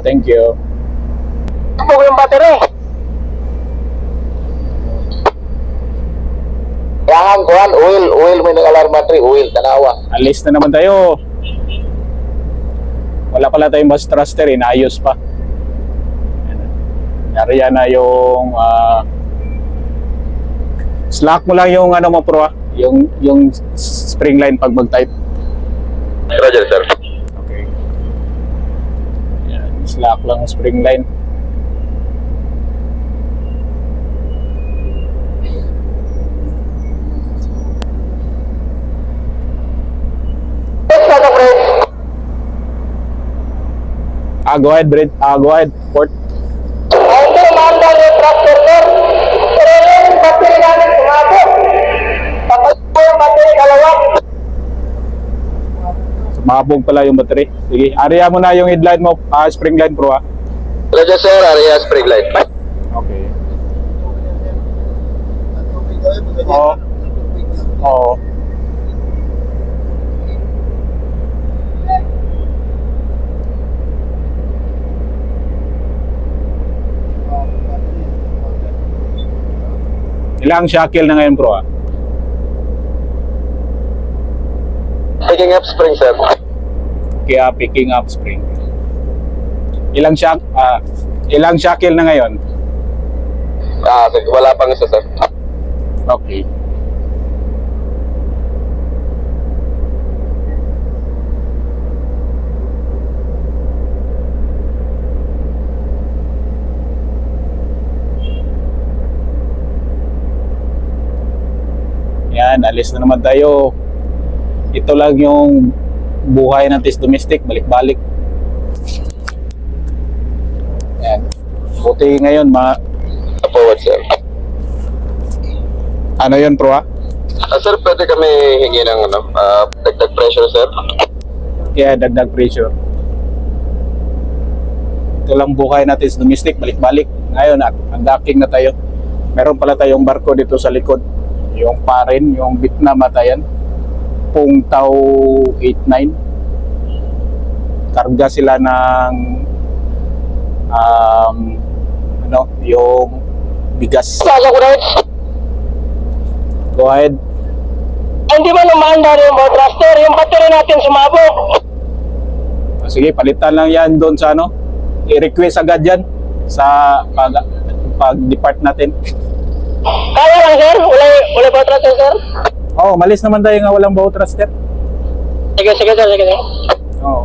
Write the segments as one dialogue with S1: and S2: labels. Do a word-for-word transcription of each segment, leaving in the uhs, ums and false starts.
S1: thank you.
S2: Ito yung battery. Kailangan kuhan, oil, oil may nag-alarm battery, oil, tanawa.
S1: Alis na naman tayo. Wala pala tayong bus thruster, inaayos pa. Nariyan na yung uh, slack mo lang yung ano mo pro ah. Yung, yung spring line pag mag-type.
S2: Roger, sir.
S1: Okay. Yan, slack lang ang spring line. Ah, go ahead, Brent. Ah, go ahead, Port.
S2: Hindi, manda yung tractor, sir. Pero yung battery namin sumabot. Tapos po yung battery kalawat.
S1: Sumabog pala yung battery. Sige, area mo na yung headline mo, ah, spring line pro ah.
S2: Roger, sir. Area spring light.
S1: Okay. Oo. Oo. Ilang shackle na ngayon pro ah?
S2: Picking up spring, sir.
S1: Kaya picking up spring. Ilang shack ah, ilang shackle na ngayon?
S2: Ah, wala pang isa, sir.
S1: Okay. Yan, alis na naman tayo. Ito lang yung buhay ng test domestic, balik-balik. Yan. Buti ngayon, ma...
S2: Forward, sir.
S1: Ano yun, pro ah?
S2: Ah, sir, pwede kami hingi ng ano, uh, dagdag pressure, sir.
S1: Kaya dagdag pressure. Ito lang buhay natin sa domestic, balik-balik. Ngayon, ang docking na tayo. Meron pala tayong barko dito sa likod. Yung Parin, yung Vietnam matayan. Pung Tau eighty-nine. Karga sila ng um, ano, yung bigas. Go ahead.
S2: Hindi ba lumaandar yung boat thruster? Yung battery natin sumabog.
S1: Sige, palitan lang yan doon sa ano. I-request agad yan sa pag, pag-depart natin.
S2: Kaya lang, sir? Wala, wala boat thruster, sir?
S1: Oh, malis naman tayo nga walang boat thruster.
S2: Sige, sige, sir. Sige, sir.
S1: Oh.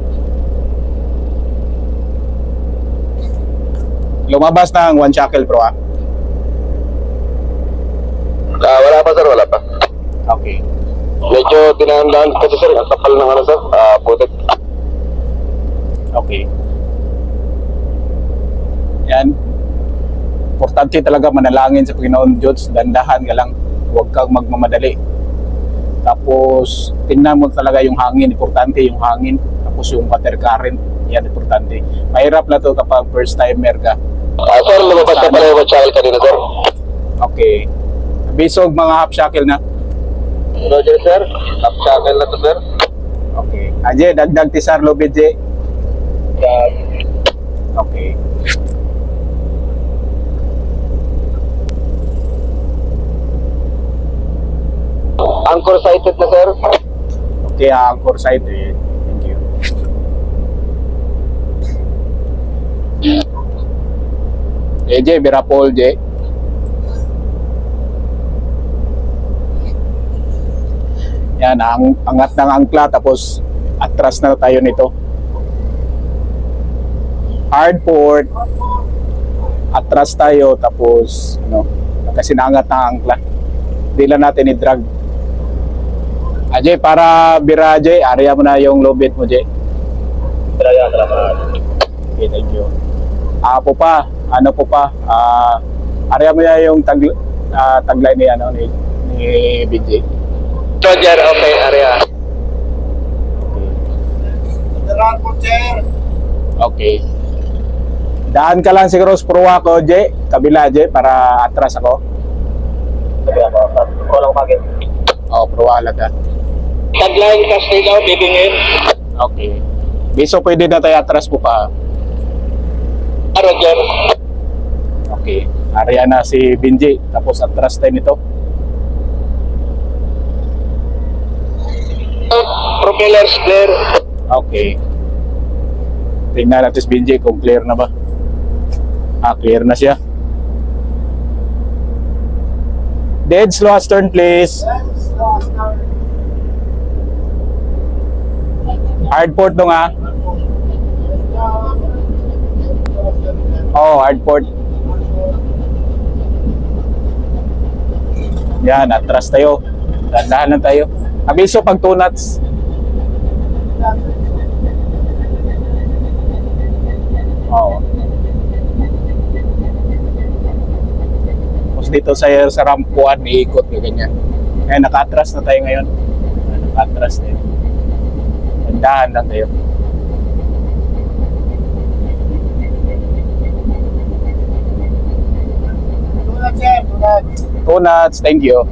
S1: Lumabas na ang one shackle pro ah.
S2: Ah, wala pa, sir. Wala pa.
S1: Okay.
S2: Medyo tinahandaan kasi, sir. Ang kapal ng ano, sir. Ah, putik.
S1: Okay. Yan. Importante talaga manalangin sa Panginoon Diyos. Dandahan ka lang. Huwag kang magmamadali. Tapos, tingnan mo talaga yung hangin. Importante yung hangin. Tapos yung water current. Yan, importante. Mahirap na to kapag first timer ka.
S2: Ah, sir, lumabas na pala yung shackle kanina, sir.
S1: Okay. Bisog mga half shackle na.
S2: Roger, sir. Half shackle na to, sir.
S1: Okay. Aje, dagdag tisar lobid, je. Okay.
S2: Anchor sighted na, sir.
S1: Okay, anchor site eh. Thank you. Eh, J, Birapol, J. Yan, ang angat ng angkla tapos atras na tayo nito. Hard port. Atras tayo tapos ano, kasi naangat ng angkla. Hindi lang natin i-drag. Ajay, para bira, Ajay, area mo na yung low bit mo, Ajay.
S2: Salamat, salamat.
S1: Okay, thank you. Ah, po pa, ano po pa, ah, area mo na yung tag, ah, tagline ni, ano, ni, ni B J.
S2: Roger, okay, area.
S1: Okay. Daan ka lang siguro sa purwa ko, Ajay, kabila, Ajay, para atras ako.
S2: Sabi ako, walang bagay.
S1: Oh, purwa alaga.
S2: Tagline kasi daw, bibingin.
S1: Okay. Biso pwede na tayo atras po pa.
S2: Roger.
S1: Okay. Area na si Benji. Tapos atras tayo nito.
S2: Propellers clear.
S1: Okay. Tingnan natin si Benji kung clear na ba. Ah, clear na siya. Dead slow turn please. Hard port dong ah. Oh, hard port. Yan, atras tayo. Dahan lang tayo. Abiso pag two knots. Oo. Tapos dito sa, sa rampuan, iikot ka ganyan. Kaya nakatras na tayo ngayon. Nakatras tayo. Dahan lang tayo. Two knots, thank you.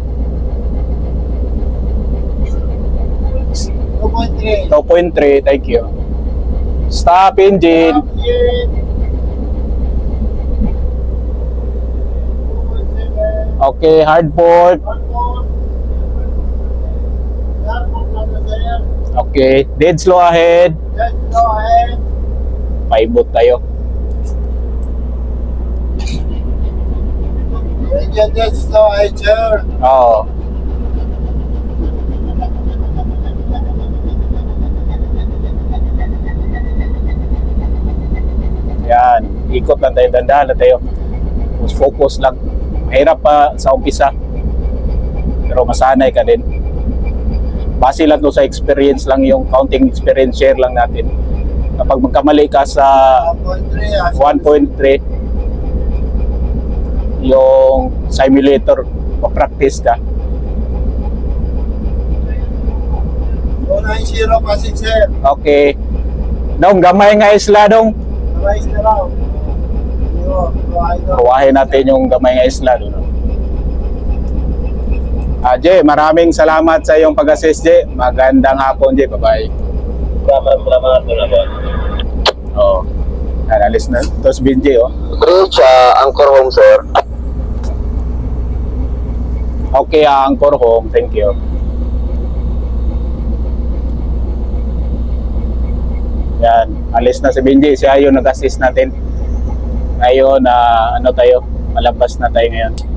S1: two point three, thank you. Stop engine. Okay, hard port. Okay, dead slow ahead. Paibot tayo. Oo. Yan, ikot lang tayo, dandahan lang tayo. Mas focus lang. Mahirap pa sa umpisa. Pero masanay ka din. Base lang to sa experience lang, yung counting experience share lang natin. Kapag magkamali ka sa one point three, yung simulator, pa-practice ka.
S2: two nine zero passing sir.
S1: Okay. Dong, gamay nga isla dong.
S2: Rise na lang.
S1: Kuwahin natin yung gamay nga isla doon. Ah, Jay, maraming salamat sa iyong pag-assist, Jay. Magandang hapon, Jay. Bye-bye.
S2: Salamat, salamat, salamat.
S1: Oo. Yan, alis na. Tapos Benji, oh.
S2: Bridge, uh, Anchor Home, sir.
S1: Okay, ah, Anchor Home. Thank you. Yan, alis na si Benji. Siya yung nag-assist natin. Ngayon, ah, ano tayo? Malabas na tayo ngayon.